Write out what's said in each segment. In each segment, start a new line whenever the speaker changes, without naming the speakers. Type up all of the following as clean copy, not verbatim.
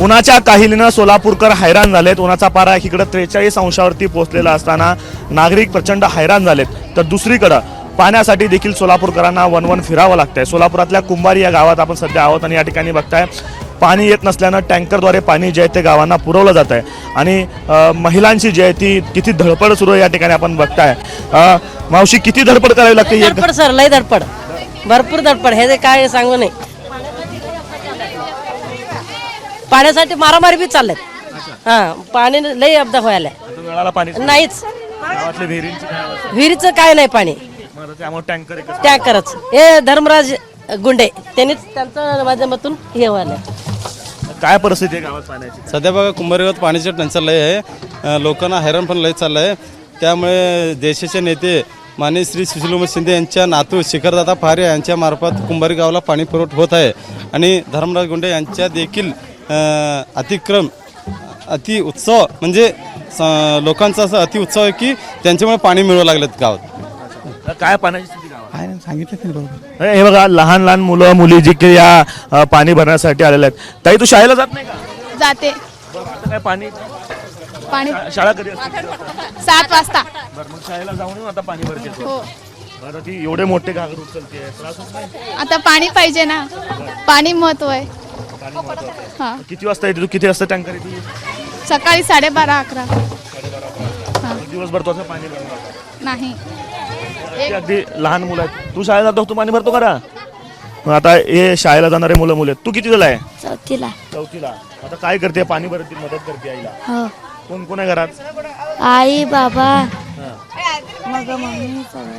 उन्हाच्या काहिलीनं सोलापूरकर हैराण झालेत। उन्हाचा पारा एकीकडे 43 अंशावरती पोहोचलेला असताना नागरिक प्रचंड हैराण झालेत, तर दुसरीकडे पाण्यासाठी देखील सोलापूरकरांना वनवन फिरावं लागतंय। सोलापुरातल्या कुंभारी या गावात आपण सध्या आहोत आणि या ठिकाणी बघताय पाणी येत नसल्यानं टँकरद्वारे पाणी जे आहे ते गावांना पुरवलं जात आहे आणि महिलांची जी आहे ती किती धडपड सुरू आहे या ठिकाणी आपण बघताय। मावशी, किती धडपड करावी लागते?
धडपड सर, लय धडपड, भरपूर धडपड, हे काय सांगू नाही। पाण्यासाठी मारामारी बी चाललेत। पाणी लय अपदा व्हायला नाहीच, विहिरीचं काय नाही पाणी, टँकरच। हे धर्मराज गुंडे त्यांनीच त्यांच्या माध्यमातून हे व्हायला।
काय परिस्थिती आहे गावात पाण्याची?
सध्या बघा कुंभारी गावात पाण्याची टंचाई लय आहे, लोकांना हैराण पण लय चाललं आहे। त्यामुळे देशाचे नेते माननीय श्री सुशीलकुमार शिंदे यांच्या नातू शिखरदादा पहारे यांच्या मार्फत कुंभारी गावाला पाणी पुरवठा होत आहे आणि धर्मराज गुंडे यांच्या देखील अति उत्सव म्हणजे लोकांचा असं अति उत्सव आहे की त्यांच्यामुळे पाणी मिळू लागलेत गावात।
काय पाण्याची स्थिती गावात
सांगितलं बरोबर।
हे बघा, लहान लहान मुलं मुली जी की या पाणी भरण्यासाठी आलेले आहेत। ताई, तू शाळेला जात नाही का?
जाते।
काय पाणी
पाणी
शाळा कधी असते?
7 वाजता।
बरं, मग शाळेला जाऊन येऊ आता पाणी भरते।
हो,
बरं, ती एवढे मोठे घागर उचलते, त्रास होत नाही?
आता पाणी पाहिजे ना, पाणी महत्व आहे।
पाणी महत्त्वाचं
हा,
आहे। किती वाजता येते तू? किती वाजता टँकर येते?
सकाळी 12:30-11
दिवसभर तो असं पाणी भरणार
नाही।
अगदी लहान मुलं आहेत। तू शाळेला जातो, तू पाणी भरतो का? मग आता हे शाळेला जाणारे मुलं मुले, तू किती झाला आहे? चौथीला। आता काय करते? पाणी भरते, मदत करते आईला?
हो,
कोण कोण आहे घरात?
आई बाबा
मग मम्मी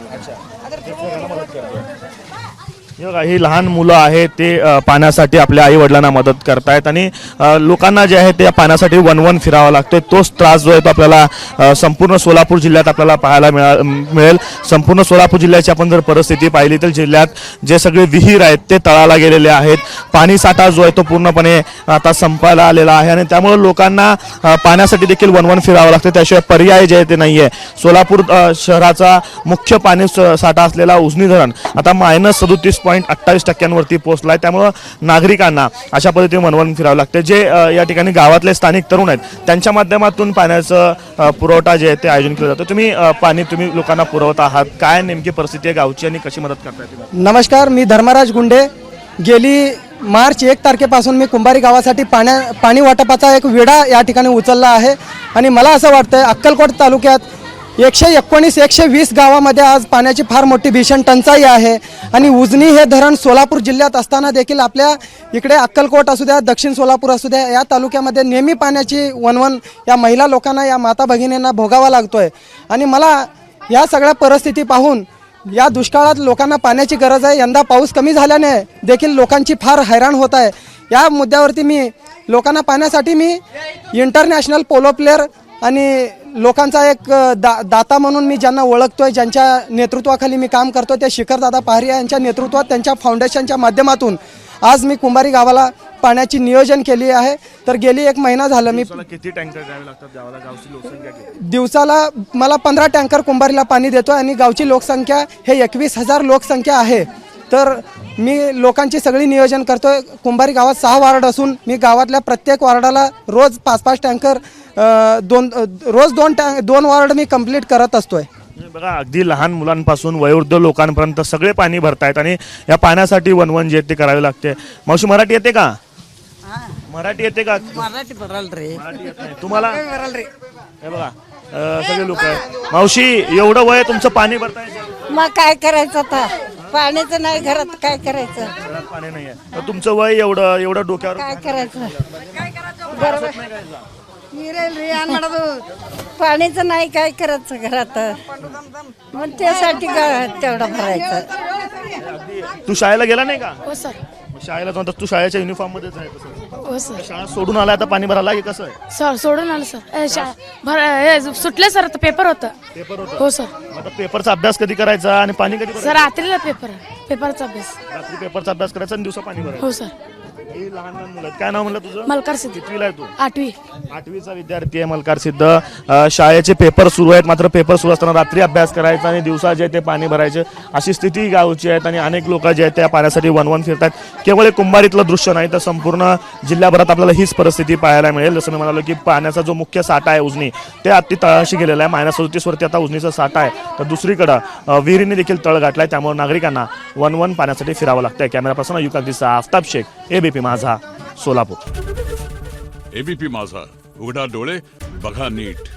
मदत करते। हे बघा, ही लहान मुलं आहेत ते पाण्यासाठी आपल्या आई वडिलांना मदत करतायत आणि लोकांना जे आहे ते पाण्यासाठी वनवन फिरावं लागतोय। तोच त्रास जो आहे तो आपल्याला संपूर्ण सोलापूर जिल्ह्यात आपल्याला पाहायला मिळेल। संपूर्ण सोलापूर जिल्ह्याची आपण जर परिस्थिती पाहिली तर जिल्ह्यात जे सगळे विहीर आहेत ते तळाला गेलेले आहेत। पाणी साठा जो आहे तो पूर्णपणे आता संपायला आलेला आहे आणि त्यामुळे लोकांना पाण्यासाठी देखील वनवन फिरावं लागतं, त्याशिवाय पर्याय जे आहे ते नाही आहे। सोलापूर शहराचा मुख्य पाणी साठा असलेला उजनी धरण आता -37.28% पोहोचलाय। त्यामुळे नागरिकांना अशा पद्धतीने वनवन फिरावं लागते। जे या ठिकाणी गावातले स्थानिक तरुण आहेत त्यांच्या माध्यमातून पाण्याचं पुरवठा जे आहे ते आयोजन केलं जातं। तुम्ही पाणी लोकांना पुरवत आहात, काय नेमकी परिस्थिती आहे गावची आणि कशी मदत करताय तुम्ही?
नमस्कार, मी धर्मराज गुंडे। गेली मार्च 1 तारखेपासून मी कुंभारी गावासाठी पाणी वाटपाचा एक विडा या ठिकाणी उचलला आहे आणि मला असं वाटतंय अक्कलकोट तालुक्यात 119-120 गावामध्ये आज पाण्याची फार मोठी भीषण टंचाई आहे आणि उजनी हे धरण सोलापूर जिल्ह्यात असताना देखील आपल्या इकडे अक्कलकोट असू द्या, दक्षिण सोलापूर असू द्या, या तालुक्यामध्ये नेहमी पाण्याची वनवन या महिला लोकांना, या माता भगिनींना भोगावा लागतोय आणि मला या सगळ्या परिस्थिती पाहून या दुष्काळात लोकांना पाण्याची गरज आहे। यंदा पाऊस कमी झाल्याने देखील लोकांची फार हैराण होत आहे। या मुद्द्यावरती मी लोकांना पाण्यासाठी मी इंटरनॅशनल पोलो प्लेअर आणि लोकांचा एक दाता म्हणून मी ज्यांना ओळखतोय, ज्यांच्या नेतृत्वाखाली मी काम करतो, ते शिखरदादा पहारे यांच्या नेतृत्वात त्यांच्या फाउंडेशनच्या माध्यमातून आज मी कुंभारी गावाला पाण्याची नियोजन केली आहे। तर गेली 1 महिना झालं मी
किती टँकर द्यावे लागतात गावाला? गावची लोकसंख्या किती?
दिवसाला मला 15 टँकर कुंभारीला पाणी देतो आणि गावची लोकसंख्या हे 21,000 लोकसंख्या आहे। तर मी लोकांची सगळी नियोजन करतोय। कुंभारी गावात 6 वार्ड असून मी गावातल्या प्रत्येक वार्डाला रोज 5-5 टँकर रोज 2 वार्ड मी कंप्लीट करत असतोय।
बघा, अगदी लहान मुलांपासून वयोवृद्ध लोकांपर्यंत सगळे पाणी भरतायत आणि या पाण्यासाठी वनवन जे ते करावे लागते। मावशी, मराठी येते का? मराठी येते का?
मराठी बरल रे,
मराठी येत नाही तुम्हाला? हे बघा, सगळे लोक आहेत। मावशी, एवढं वय तुमचं पाणी भरताय?
मग काय करायचं आता? पाण्याचं नाही घरात, काय करायचं?
घरात पाणी नाहीये, तर तुमचं वय एवढं डोक्यावर
काय करायचं? पाण्याचं नाही, काय करायचं घरात? मग त्यासाठी तेवढं भरायचं।
तू शाळेला गेला नाही का?
हो सर।
शाळेला जाऊन तू शाळेच्या युनिफॉर्म मध्येच आहे कसं?
हो सर।
शाळा सोडून आला आता पाणी भरायला की कसं आहे?
सर सोडून आलं सर, सुटले सर, आता पेपर होता।
पेपर होता?
हो सर।
आता पेपरचा अभ्यास कधी करायचा आणि पाणी कधी भरायचं?
सर रात्रीला पेपरचा अभ्यास।
रात्री पेपरचा अभ्यास करायचा आणि दिवसा पाणी भरायचं?
हो सर।
ही लहान लहान मुलं आहेत. काय नाव म्हणलं तुझं?
मलकार सिद्ध
कितवीला आहे तू?
8वी
8वीचा विद्यार्थी आहे मलकार सिद्ध. शाळेचे पेपर सुरू आहेत, मात्र पेपर सुरू असताना रात्री अभ्यास करायचा आणि दिवसा जे ते पाणी भरायचे अशी स्थिती गावची आहे. आणि अनेक लोक जे आहेत त्या पाण्यासाठी वनवन फिरतात. केवळ एक कुंभारीतलं दृश्य नाही तर संपूर्ण जिल्ह्याभरात आपल्याला हीच परिस्थिती पाहायला मिळेल. जसं मी म्हणालो की पाण्याचा जो मुख्य साठा आहे उजनी ते अति तळाशी गेलेला आहे. -37 वरती आता उजनीचा साठा आहे. तर दुसरीकडं विहिरीने देखील तळ गाठलाय. त्यामुळे नागरिकांना वनवन पाण्यासाठी फिरावं लागतंय. कॅमेरा पर्सन युकागदीचा आफताब शेख, एबीपी माझा, सोलापूर.
एबीपी माझा, उघडा डोळे बघा नीट.